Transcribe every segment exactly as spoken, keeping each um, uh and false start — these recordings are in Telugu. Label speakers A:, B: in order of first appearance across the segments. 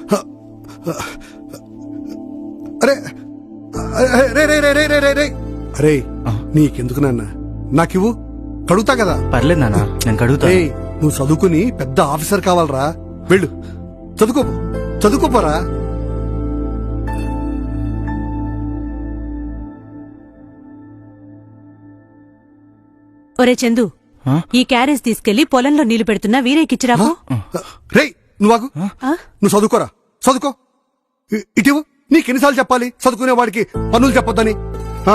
A: అరే రే రే రే రే రే రే రే అరే నీకెందుకు నాన్న నాకివ్వు, కడుగుతా కదా.
B: పర్లేదు నాన్న, నేను కడుగుతా.
A: ఏయ్, నువ్వు చదువుకుని పెద్ద ఆఫీసర్ కావాలరా, వెళ్ళు చదువుకో, చదువుకోపోరా.
C: ఒరే చందు, ఈ క్యారేజ్ తీసుకెళ్లి పొలంలో నీళ్లు పెడుతున్నా వీరేకిచ్చిరాకు.
A: రేయ్ నువ్వు నువ్వు చదువుకోరా, చదువుకో. ఇ- ఇటివు, నీకెన్నిసార్లు చెప్పాలి చదువుకునే వాడికి పనులు చెప్పొద్దని. ఆ,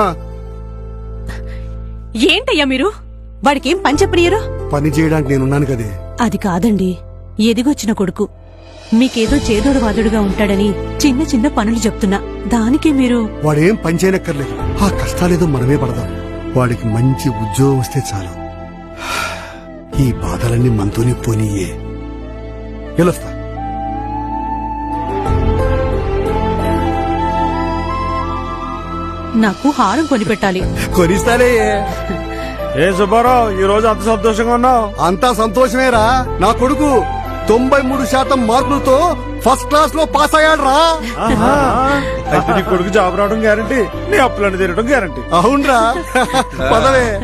C: ఏంటయ్యా మీరు, వాడికేం పని చెప్పనియరు?
A: పని చేయడానికి నేనున్నాను కదే.
C: అది కాదండి, ఎదిగొచ్చిన కొడుకు మీకేదో చేదోడు వాదుడుగా ఉంటాడని చిన్న చిన్న పనులు చెప్తున్నా, దానికి మీరు.
A: వాడేం పని చేయనక్కర్లేదు, ఆ కష్టాలేదో మనమే పడదాం. వాడికి మంచి ఉద్యోగం వస్తే చాలు. ఈ బాధలన్నీ మనతోనే పోనీయే. వెళ్ళొస్తా.
C: నాకు హారం కొనిపెట్టాలి.
A: కొనిస్తాలే.
D: ఏ సుబ్బారావు, ఈ రోజు అంత సంతోషంగా ఉన్నావు?
A: అంతా సంతోషమేరా, నా కొడుకు తొంభై మూడు శాతం మార్కులతో ఫస్ట్ క్లాస్ లో పాస్ అయ్యాడు రా.
D: అయితే నీ కొడుకు జాబ్ రావడం గ్యారంటీ, నీ అప్పులను తీరడం గ్యారంటీ.
A: అవునరా, పదవే.